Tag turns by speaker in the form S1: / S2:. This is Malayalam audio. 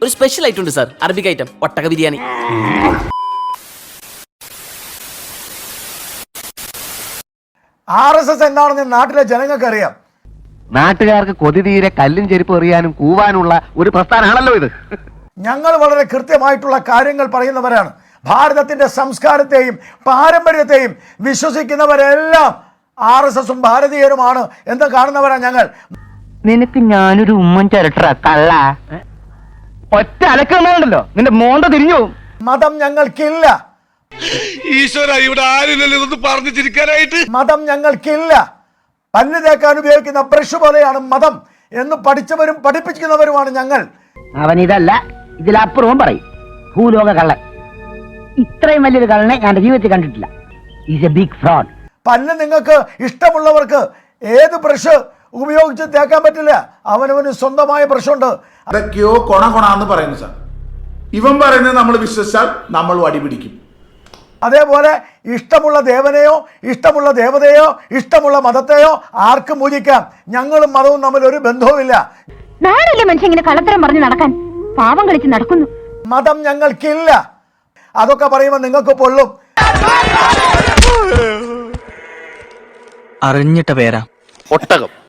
S1: ഒരു സ്പെഷ്യൽ ഐറ്റം ഉണ്ട് സാർ, അറബിക് ഐറ്റം, ഒട്ടക ബിരിയാണി.
S2: RSS എന്താണെന്ന് നാട്ടിലെ ജനങ്ങൾക്ക് അറിയാം.
S3: നാട്ടുകാർക്ക് കൊതി തീരെ കല്ലും ചെരുപ്പ് എറിയാനും കൂവാനുള്ള ഒരു പ്രസ്ഥാനമാണല്ലോ ഇത്. ഞങ്ങൾ
S2: വളരെ കൃത്യമായിട്ടുള്ള കാര്യങ്ങൾ പറയുന്നവരാണ്. ഭാരതത്തിന്റെ സംസ്കാരത്തെയും പാരമ്പര്യത്തെയും വിശ്വസിക്കുന്നവരെല്ലാം RSSഉം ഭാരതീയരുമാണ് എന്ന് കാണുന്നവരാണ് ഞങ്ങൾ.
S3: നിനക്ക് ഞാനൊരു ഉമ്മൻ ചിരട്ട കള്ള ഒറ്റ അലക്കണ്ടല്ലോ, നിന്റെ മോന്ത തിരിഞ്ഞു.
S2: മതം ഞങ്ങൾക്കില്ല.
S4: ഈശ്വര, ഇവിടെ ആരില്ലല്ലോ ഇതൊന്ന് പറഞ്ഞു ചിരിക്കാനായിട്ട്.
S2: മതം ഞങ്ങൾക്കില്ല. പല്ല് തേക്കാൻ ഉപയോഗിക്കുന്ന ബ്രഷ് പോലെയാണ് മതം എന്ന് പഠിച്ചവരും പഠിപ്പിക്കുന്നവരുമാണ് ഞങ്ങൾ.
S3: അവൻ ഇതല്ല ഇതിലപ്പുറവും പറയും. ഭൂലോക കള്ളൻ. ഇത്രയും വലിയൊരു കള്ളനെ ഞാൻ ജീവിതത്തിൽ കണ്ടിട്ടില്ല. Is a big fraud.
S2: പല്ല് നിങ്ങൾക്ക് ഇഷ്ടമുള്ളവർക്ക് ഏത് ബ്രഷ് ഉപയോഗിച്ച് തേക്കാൻ പറ്റില്ല. അവനവന് സ്വന്തമായ ബ്രഷുണ്ട്.
S5: അതൊക്കെയോ കൊണാന്ന് പറയുന്നു സാർ. ഇവൻ പറയുന്നത് നമ്മൾ വിശ്വസിച്ചാൽ നമ്മൾ വടിപിടിക്കും.
S2: അതേപോലെ ഇഷ്ടമുള്ള ദേവനെയോ ഇഷ്ടമുള്ള ദേവതയോ ഇഷ്ടമുള്ള മതത്തെയോ ആർക്കും പൂജിക്കാം. ഞങ്ങളും മതവും തമ്മിൽ ഒരു ബന്ധവുമില്ല.
S6: നാളെ മനുഷ്യൻ ഇങ്ങനെ കള്ളത്തരം പറഞ്ഞു നടക്കാൻ പാവം കളിച്ച് നടക്കുന്നു.
S2: മതം ഞങ്ങൾക്കില്ല. അതൊക്കെ പറയുമ്പോൾ നിങ്ങൾക്ക് പൊള്ളും.
S1: അറിഞ്ഞിട്ട പേരാ
S4: ഒട്ടകം.